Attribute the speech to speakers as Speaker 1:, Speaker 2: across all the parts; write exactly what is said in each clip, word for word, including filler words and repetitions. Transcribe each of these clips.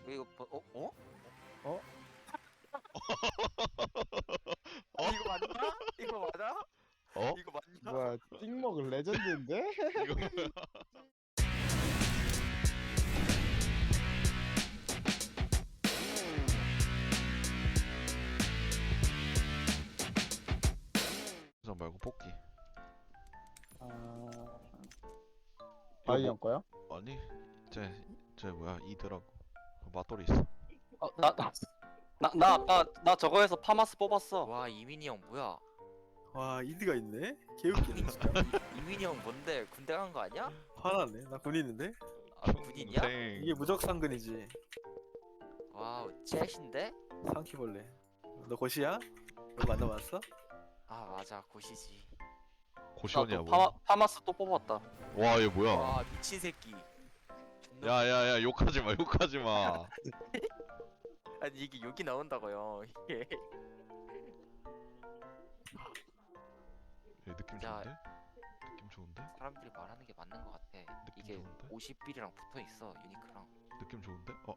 Speaker 1: 이거 뭐, 어? 어?
Speaker 2: 어?
Speaker 1: 어? 이거 맞나? 이거 맞아?
Speaker 3: 어?
Speaker 1: 이거 맞냐?
Speaker 2: 뭐야 찍먹 레전드인데?
Speaker 3: 이거 뭐야? 저 말고 뽑기.
Speaker 2: 아...
Speaker 3: 이거
Speaker 2: 아이 형 거요?
Speaker 3: 뭐, 아니, 쟤, 쟤 뭐야? 이드라고. 맞돌이 있어.
Speaker 4: 어, 나, 나, 나, 나, 나, 나 저거에서 파마스 뽑았어.
Speaker 1: 와 이민이 형 뭐야?
Speaker 5: 와 이드가 있네? 개웃기네 진짜.
Speaker 1: 이민이 형 뭔데? 군대 간 거 아니야?
Speaker 5: 화났네. 나 군인인데?
Speaker 1: 아 군인이야?
Speaker 3: 평생.
Speaker 5: 이게 무적상근이지.
Speaker 1: 와우 챗인데?
Speaker 5: 상키벌레. 너 고시야? 너 만나봤어?
Speaker 1: 아 맞아 고시지.
Speaker 3: 고시원이야
Speaker 4: 나또
Speaker 3: 뭐.
Speaker 4: 파마, 파마스 또 뽑았다.
Speaker 3: 와, 얘 뭐야?
Speaker 1: 와 미친 새끼. 존나
Speaker 3: 야야야, 욕하지 마, 욕하지 마.
Speaker 1: 아니 이게 욕이 나온다고요. 이게.
Speaker 3: 얘 느낌
Speaker 1: 자.
Speaker 3: 좋은데? 느낌 좋은데?
Speaker 1: 사람들이 말하는 게 맞는 것 같아. 이게
Speaker 3: 좋은데?
Speaker 1: 오십 빌이랑 붙어 있어 유니크랑.
Speaker 3: 느낌 좋은데? 어,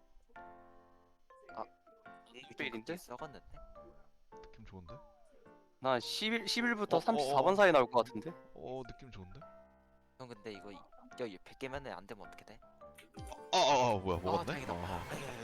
Speaker 1: 오십
Speaker 4: 빌인데?
Speaker 1: 썩었는데?
Speaker 3: 느낌 좋은데?
Speaker 4: 나 십일, 십일부터
Speaker 3: 어,
Speaker 4: 삼십사
Speaker 3: 어,
Speaker 4: 번
Speaker 3: 어.
Speaker 4: 사이 나올 것 같은데?
Speaker 3: 어, 느낌 좋은데?
Speaker 1: 형 근데 이거 야 백 개면 안 되면 어떻게 돼?
Speaker 3: 아, 아, 아, 뭐야,
Speaker 1: 아
Speaker 3: 먹었네?
Speaker 1: 다행이다.
Speaker 3: 어.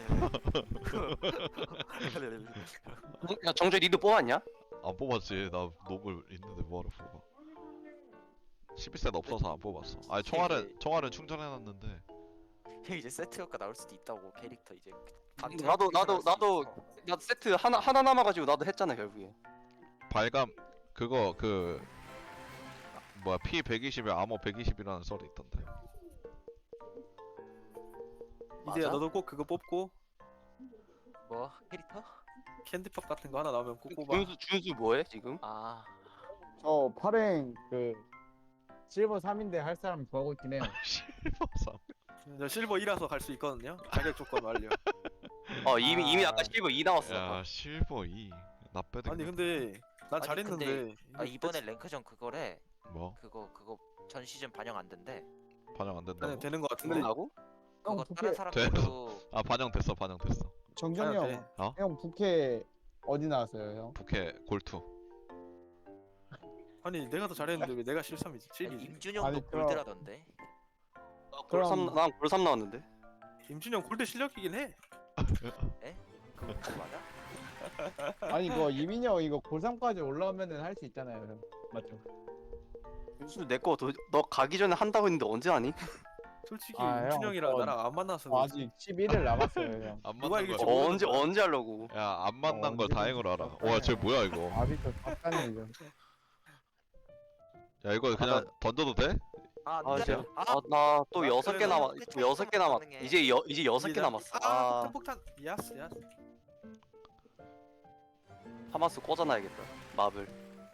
Speaker 4: 야, 정재 니도 뽑았냐?
Speaker 3: 안 뽑았지. 나 노블 있는데 뭐하러 뽑아. 십일 셋 없어서 안 뽑았어. 아니, 총알은, 총알은 충전해놨는데.
Speaker 1: 형 이제 세트 효과 나올 수도 있다고 캐릭터 이제. 반투
Speaker 4: 나도, 나도,
Speaker 1: 나올 수도
Speaker 4: 나도,
Speaker 1: 있어.
Speaker 4: 나 세트 하나, 하나 남아가지고 나도 했잖아, 결국에.
Speaker 3: 발감, 그거, 그, 뭐야, 피 백이십에 아머 백이십이라는 썰이 있던데.
Speaker 5: 이드야
Speaker 1: 맞아?
Speaker 5: 너도 꼭 그거 뽑고
Speaker 1: 뭐 캐릭터?
Speaker 5: 캔디팝 같은 거 하나 나오면 꼭 뽑아.
Speaker 4: 준수, 준수 뭐해, 지금?
Speaker 1: 아
Speaker 2: 저 파랭 그 실버 삼인데 할 사람 구하고 있긴 해요.
Speaker 3: 실버삼.
Speaker 5: 저 실버 이라서 갈 수 있거든요. 자격 조건 완료.
Speaker 4: 어, 이미,
Speaker 2: 아.
Speaker 4: 이미 아까 실버 이 나왔어.
Speaker 3: 야, 실버 이. 나 빼드.
Speaker 5: 아니 근데 난
Speaker 1: 아니,
Speaker 5: 잘했는데.
Speaker 1: 아 이번에 랭크전 그거래.
Speaker 3: 뭐?
Speaker 1: 그거 그거 전 시즌 반영 안 된대.
Speaker 3: 반영 안 된다고?
Speaker 5: 아니 되는 거 같은데.
Speaker 4: 끝나고?
Speaker 2: 형
Speaker 1: 그거
Speaker 2: 부캐
Speaker 1: 다른 사람들도
Speaker 3: 아, 반영됐어, 반영됐어.
Speaker 2: 정정이
Speaker 5: 아니,
Speaker 2: 형,
Speaker 3: 어?
Speaker 2: 형 부캐 어디 나왔어요 형?
Speaker 3: 부캐 골투.
Speaker 5: 아니 내가 더 잘했는데 왜 내가 실삼이지? 칠이지.
Speaker 1: 임준영도
Speaker 2: 아니, 그럼-
Speaker 1: 골드라던데.
Speaker 4: 골삼,
Speaker 2: 그럼-
Speaker 4: 난 골삼 나왔는데.
Speaker 5: 임준영 골드 실력이긴 해.
Speaker 1: 그거 그거 맞아?
Speaker 2: 아니 이거 이민이 형 이거 골삼까지 올라오면은 할 수 있잖아요 형. 맞죠?
Speaker 4: 준수 내거 너 가기 전에 한다고 했는데 언제 하니?
Speaker 5: 솔직히
Speaker 2: 아, 형,
Speaker 5: 임준영이랑
Speaker 2: 저-
Speaker 5: 나랑 안 만나서
Speaker 2: 어, 아직 십일 일 남았어요 형.
Speaker 3: 안
Speaker 5: 누가
Speaker 3: 만난
Speaker 5: 이길지
Speaker 3: 걸.
Speaker 5: 모르-
Speaker 4: 어, 언제, 언제 하려고?
Speaker 3: 야, 안 만난
Speaker 2: 어,
Speaker 3: 걸
Speaker 2: 언제
Speaker 3: 다행으로 알아.
Speaker 2: 진짜
Speaker 3: 와, 쟤 뭐야 이거?
Speaker 2: 아직도 답답해요.
Speaker 3: 야, 이거 그냥 던져도 돼?
Speaker 1: 아
Speaker 4: 아,
Speaker 1: 안돼.
Speaker 4: 진짜?
Speaker 1: 아
Speaker 4: 아, 나 또
Speaker 5: 아,
Speaker 4: 여섯 개
Speaker 5: 그래도
Speaker 4: 남았,
Speaker 1: 끝이
Speaker 4: 또 여섯 개 남았.
Speaker 1: 가능해.
Speaker 4: 이제 여, 이제 여섯 개 남았어.
Speaker 5: 아
Speaker 4: 아,
Speaker 5: 폭탄 폭탄. 야스 야스.
Speaker 4: 파마스 꽂아놔야겠다. 마블.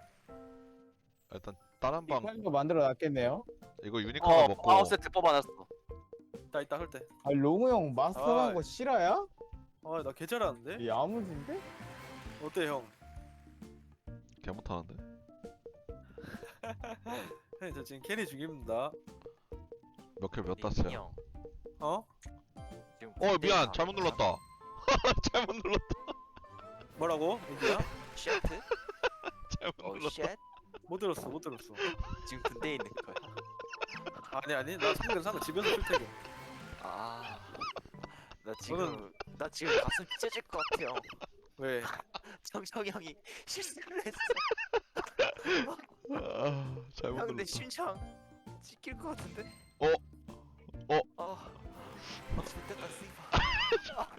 Speaker 3: 일단 다른 방
Speaker 2: 이거 만들어 놨겠네요.
Speaker 3: 이거 유니콘을
Speaker 4: 어,
Speaker 3: 먹고
Speaker 4: 파워 세트 뽑아놨어.
Speaker 5: 이따 이따 할 때.
Speaker 2: 아 롱우 형 마스터한
Speaker 5: 아.
Speaker 2: 거 실화야?
Speaker 5: 아나 개 잘하는데.
Speaker 2: 야무진데?
Speaker 5: 어때 형?
Speaker 3: 개 못하는데.
Speaker 5: 형님 저 지금 캐리 중입니다.
Speaker 3: 몇 킬 몇
Speaker 1: 임준이
Speaker 3: 땄어요?
Speaker 1: 형,
Speaker 5: 어?
Speaker 1: 지금
Speaker 3: 어,
Speaker 1: 군대에
Speaker 3: 미안,
Speaker 1: 가-
Speaker 3: 잘못 눌렀다. 잘못 눌렀다.
Speaker 5: 뭐라고? 인디야?
Speaker 1: 쉣?
Speaker 3: 잘못
Speaker 1: 어
Speaker 3: 눌렀다.
Speaker 1: 쉣?
Speaker 5: 못 들었어 못 들었어.
Speaker 1: 지금 군대에 있는 거야.
Speaker 5: 아니 아니 나 상근 상근 집에서 출퇴근.
Speaker 1: 아, 나 지금 나 지금 가슴 찢어질 것 같아요.
Speaker 5: 왜?
Speaker 1: 정정이 형이 실수를 했어.
Speaker 3: 아, 잘못
Speaker 1: 형 근데
Speaker 3: 눌렀다.
Speaker 1: 심장 찍힐 것 같은데?
Speaker 3: 어? 어?
Speaker 1: 아, 아 좋겠다 씨발.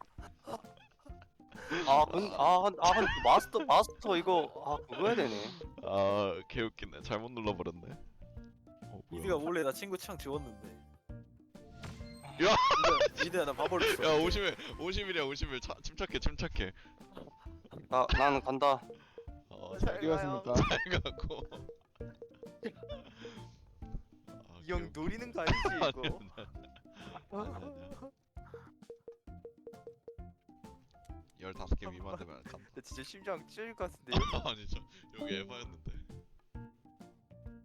Speaker 4: 아, 근, 아, 근- 아, 근 마스터, 마스터 이거, 아, 그거 해야 되네.
Speaker 3: 아, 개웃기네. 잘못 눌러버렸네. 어, 뭐야.
Speaker 5: 이드가 몰래 나 친구 창 지웠는데.
Speaker 3: 야!
Speaker 5: 이드, 이드야 나 바보였어.
Speaker 3: 야, 오십일, 오십일이야, 오십일. 차, 침착해, 침착해.
Speaker 4: 나, 나는 간다.
Speaker 3: 어,
Speaker 1: 잘
Speaker 2: 어디 갔습니까?
Speaker 3: 잘 가고. 아,
Speaker 1: 이 형
Speaker 3: 개웃-
Speaker 1: 노리는 거 아니지 이거?
Speaker 3: 아니야, 아니야. 열다섯 개 미만 되면 간다.
Speaker 1: 나 진짜 심장 찢어질 것 같은데.
Speaker 3: 아니죠. 여기 에바였는데.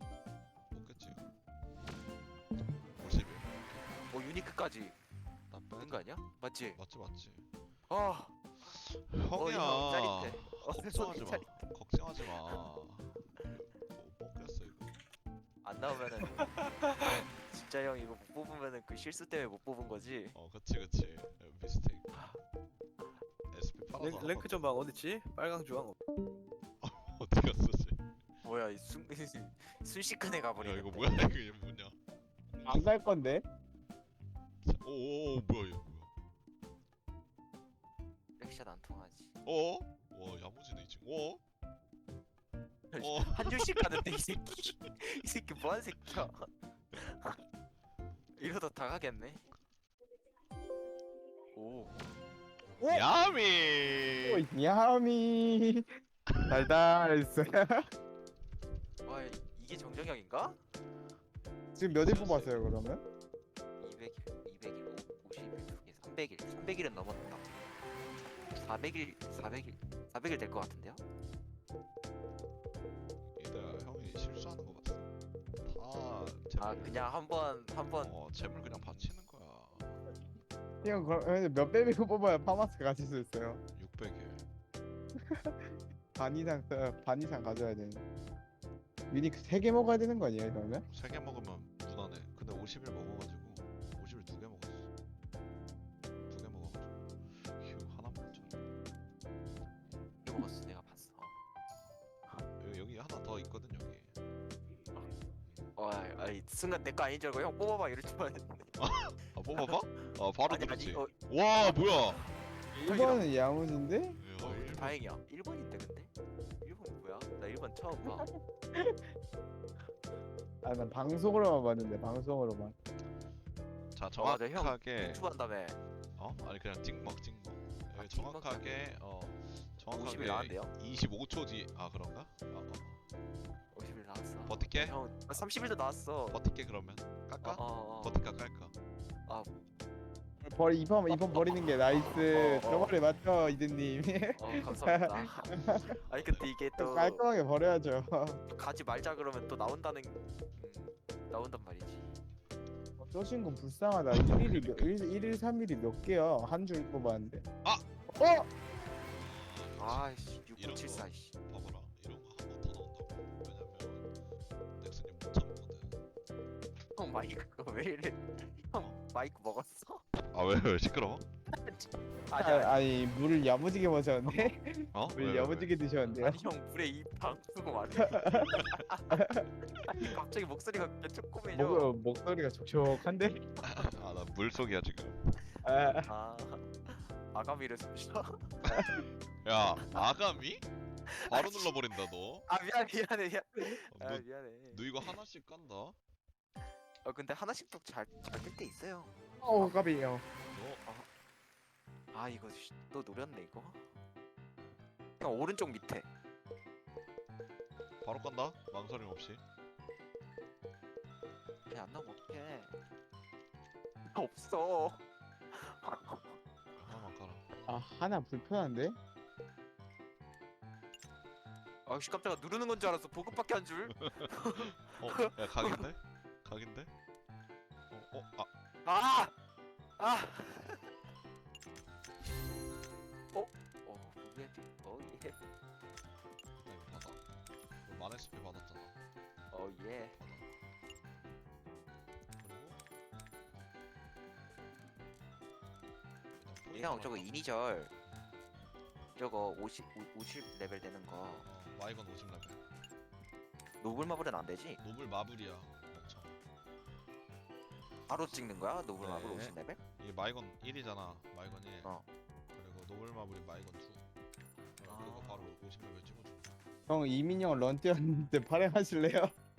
Speaker 3: 먹겠지. 오십일.
Speaker 1: 어 유니크까지.
Speaker 3: 나쁘.
Speaker 1: 있는 거 아니야? 맞지?
Speaker 3: 맞지 맞지.
Speaker 1: 아,
Speaker 3: 형이야.
Speaker 1: 어, 짜릿해. 어,
Speaker 3: 걱정하지 마.
Speaker 1: 짜릿해.
Speaker 3: 걱정하지 마. 뭐 먹겠어 이거.
Speaker 1: 안 나오면은 진짜 형 이거 못 뽑으면은 그 실수 때문에 못 뽑은 거지.
Speaker 3: 어 그치 그치. 미스테이크. 에스피 팔아서
Speaker 5: 랭, 랭크 좀 봐. 어딨지? 빨강 주황.
Speaker 3: 어디 갔어 쟤?
Speaker 1: 뭐야 이 순, 순식간에 가버리네.
Speaker 3: 야 이거 뭐야 이거 얘 뭐냐?
Speaker 2: 안 갈 건데.
Speaker 3: 오오오 뭐야 얘 뭐야?
Speaker 1: 렉샷 안 통하지.
Speaker 3: 어? 와 야무지네 이 친구. 어? 어?
Speaker 1: 한 줄씩 가는데 이 새끼. 이 새끼 뭐한 새끼야? 이러다 다 가겠네. 오.
Speaker 3: 야미.
Speaker 2: 오, 야미. 달달했어.
Speaker 1: 와 이게 정정형인가?
Speaker 2: 지금 몇 일 뽑았어요 그러면?
Speaker 1: 이백 일, 이백 일, 오십 일, 두 개, 삼백 일. 삼백 일은 넘었다. 사백 일, 사백 일, 사백 일 될 것 같은데요?
Speaker 3: 얘들아 형이 실수하는 거 봤어. 다
Speaker 1: 아
Speaker 3: 재물.
Speaker 1: 그냥 한번 한번
Speaker 3: 어 재물 그냥 바치는 거야.
Speaker 2: 형 그럼 몇 배비고 뽑아야 파마스 가질 수 있어요?
Speaker 3: 육백 일.
Speaker 2: 반 이상 써- 반 이상 가져야 되는. 유니크 세 개 먹어야 되는 거 아니에요 그러면?
Speaker 3: 세 개 먹으면 무난해. 근데 오십 일 먹어가지고 오십 일 두 개 먹었어. 두 개 먹어가지고 휴 하나 먹었잖아.
Speaker 1: 이거 먹었어 내가 봤어.
Speaker 3: 여기, 여기 하나 더 있거든 여기.
Speaker 1: 어, 아이 순간 내 거 아닌 줄 알고 형 뽑아봐 이럴 줄 알았는데.
Speaker 3: 아 뽑아봐? 아 바로
Speaker 1: 아니
Speaker 3: 그렇지.
Speaker 1: 아니 어,
Speaker 3: 와 뭐야?
Speaker 1: 형이랑-
Speaker 2: 일 번은 야무진데?
Speaker 3: 야,
Speaker 1: 어,
Speaker 3: 일 번.
Speaker 1: 다행이야. 일 번인데 근데? 일 번 뭐야? 나 일 번 처음 봐.
Speaker 2: 아 난 방송으로만 봤는데 방송으로만.
Speaker 3: 자
Speaker 1: 어, 맞아, 형.
Speaker 3: 정확하게
Speaker 1: 유튜브 한다며.
Speaker 3: 어? 아니 그냥 찍먹 찍먹.
Speaker 1: 아,
Speaker 3: 여기
Speaker 1: 찍먹
Speaker 3: 정확하게 어
Speaker 1: 오십 일
Speaker 3: 정확하게
Speaker 1: 나왔대요?
Speaker 3: 이십오 초 뒤. 아 그런가? 아, 어.
Speaker 1: 오십 일 나왔어.
Speaker 3: 버틸게?
Speaker 1: 형 아, 삼십 일도 나왔어.
Speaker 3: 버틸게 그러면. 깎아?
Speaker 1: 어, 어, 어.
Speaker 3: 버틸까 깔까?
Speaker 2: 버리 이번 이번 버리는 게 나이스.
Speaker 1: 어, 어.
Speaker 2: 저번에 맞죠 이든님.
Speaker 1: 어 감사합니다. 아니 근데 이게 또
Speaker 2: 깔끔하게 버려야죠.
Speaker 1: 가지 말자 그러면 또 나온다는 음, 나온단 말이지.
Speaker 2: 어, 저 친구 불쌍하다. 일 일이 몇, 일, 일일 삼 일이 몇 개야? 한 줄 뽑았는데.
Speaker 3: 아!
Speaker 2: 어?
Speaker 1: 아이씨
Speaker 3: 이런
Speaker 1: 육구칠사
Speaker 3: 거.
Speaker 1: 씨.
Speaker 3: 봐봐라 이런 거 한 번 더 나온다고. 왜냐면 넥슨이 못 참거든.
Speaker 1: 형 마이크 왜 이래? 형 마이크 먹었어?
Speaker 3: 아왜 왜 시끄러워?
Speaker 1: 아니
Speaker 2: 아,
Speaker 1: 아니,
Speaker 2: 아니 물을 야무지게 마셨는데?
Speaker 3: 어? 왜, 왜,
Speaker 2: 물
Speaker 3: 왜?
Speaker 2: 야무지게 드셨는데요?
Speaker 1: 아니 형 물에 입방 쓰고 말해. 아니 갑자기 목소리가 그렇게 조그매져.
Speaker 2: 목, 어, 목소리가 촉촉한데?
Speaker 3: 아나 물속이야 지금.
Speaker 2: 아,
Speaker 1: 아 아가미를 숨쉬어.
Speaker 3: 야 아가미? 바로 눌러버린다 너.
Speaker 1: 아 미안 미안해 미안.
Speaker 3: 어,
Speaker 1: 아
Speaker 3: 너,
Speaker 1: 미안해.
Speaker 3: 너 이거 하나씩 깐다. 너
Speaker 1: 어 근데 하나씩 또잘잘뜰 때 있어요.
Speaker 2: 어 까비요.
Speaker 1: 아 이거 씨, 또 노렸네 이거. 형 오른쪽 밑에.
Speaker 3: 바로 깐다. 망설임 없이.
Speaker 1: 그냥 안 나오면 어떡해. 없어.
Speaker 3: 하나만 깔아.
Speaker 2: 아 하나 불편한데?
Speaker 1: 아씨 깜짝아 누르는 건 줄 알았어. 보급밖에 한 줄.
Speaker 3: 어? 야 각인데? 각인데? 어? 어? 아
Speaker 1: 아! 아! 어? 어, 무게 어, 예.
Speaker 3: 나 이거 받아. 너 만에스피 받았잖아.
Speaker 1: 어, 예.
Speaker 3: 받아. 그리고
Speaker 1: 형, 저거 이니셜. 저거 오십, 오십 레벨 되는 거.
Speaker 3: 어 마이건 오십 레벨.
Speaker 1: 노블 마블은 안 되지?
Speaker 3: 노블 마블이야. 엄청.
Speaker 1: 바로 찍는 거야? 노블
Speaker 3: 네.
Speaker 1: 마블 오십 레벨?
Speaker 3: 이게 마이건 일이잖아. 마이건 일.
Speaker 1: 어.
Speaker 3: 그리고 노블 마블이 마이건 이.
Speaker 1: 아.
Speaker 3: 그거 바로 오십 레벨 찍어줘.
Speaker 2: 형 이민영 런 뛰었는데 발행하실래요?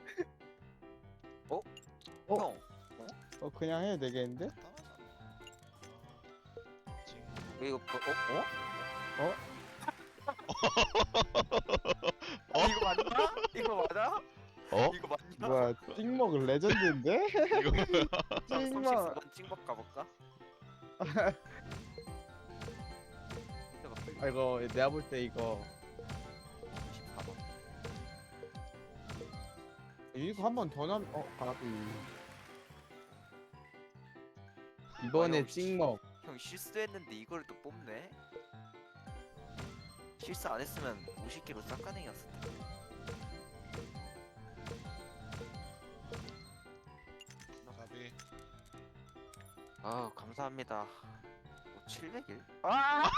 Speaker 2: 어?
Speaker 1: 형,
Speaker 2: 어 그냥 해도 되겠는데?
Speaker 3: 간단하잖아. 찡.
Speaker 1: 이거 뭐, 어? 어?
Speaker 3: 어?
Speaker 1: 아, 이거 맞나? 이거 맞아?
Speaker 3: 어?
Speaker 1: 이거 맞냐?
Speaker 2: 뭐야 찍먹 레전드인데?
Speaker 3: 이거 뭐야?
Speaker 2: 찍먹
Speaker 1: 삼십사 번 찡박 가볼까?
Speaker 2: 아 이거 내가 볼 때 이거
Speaker 1: 삼십사 번.
Speaker 2: 이거 한 번 더 남.. 어 가비 이번에
Speaker 1: 형, 씨.
Speaker 2: 찍먹.
Speaker 1: 형 실수했는데 이걸 또 뽑네? 실수 안 했으면 오십 킬로 싹가능이었을 텐데.
Speaker 3: 가비.
Speaker 1: 아 감사합니다. 뭐 칠백 일? 아!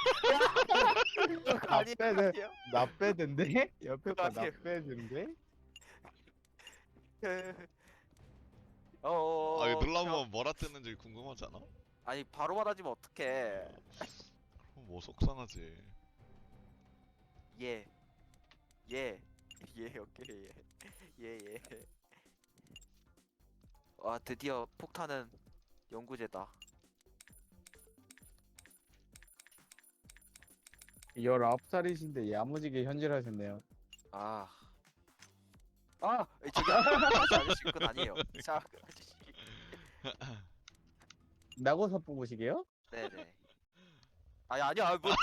Speaker 2: 나
Speaker 1: 아니
Speaker 2: 빼네.
Speaker 1: 아니요.
Speaker 2: 나 빼던데? 옆에 거나
Speaker 1: 아니에요.
Speaker 2: 빼던데?
Speaker 1: 어.
Speaker 3: 아 이거 눌러보면 뭐라 뜨는지 궁금하잖아.
Speaker 1: 아니 바로 받아주면 어떡해?
Speaker 3: 그럼 뭐 속상하지.
Speaker 1: 예. 예. 예 오케이 예. 예 예. 와 드디어 폭탄은 연구제다.
Speaker 2: 열아홉 살이신데 야무지게 현질하셨네요.
Speaker 1: 아. 아 저기 아저씨 아저씨 그건 아니에요. 자 아저씨.
Speaker 2: 나고사 뽑으시게요?
Speaker 1: 네네. 아니 아니야 뭐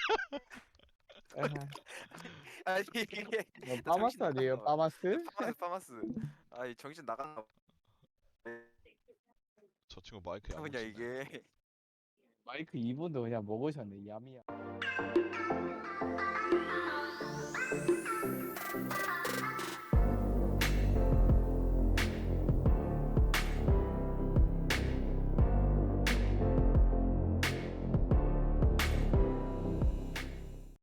Speaker 1: 나 아니 이게
Speaker 2: 뭐
Speaker 1: 나
Speaker 2: 파마스
Speaker 1: 정신
Speaker 2: 아니에요?
Speaker 1: 나갔어.
Speaker 2: 파마스?
Speaker 1: 파마스 파마스. 아니 정신 나갔나
Speaker 3: 저 친구 마이크
Speaker 1: 보냐
Speaker 3: 야무지네.
Speaker 1: 이게.
Speaker 2: 마이크 이 분도 그냥 먹으셨네. 야미야.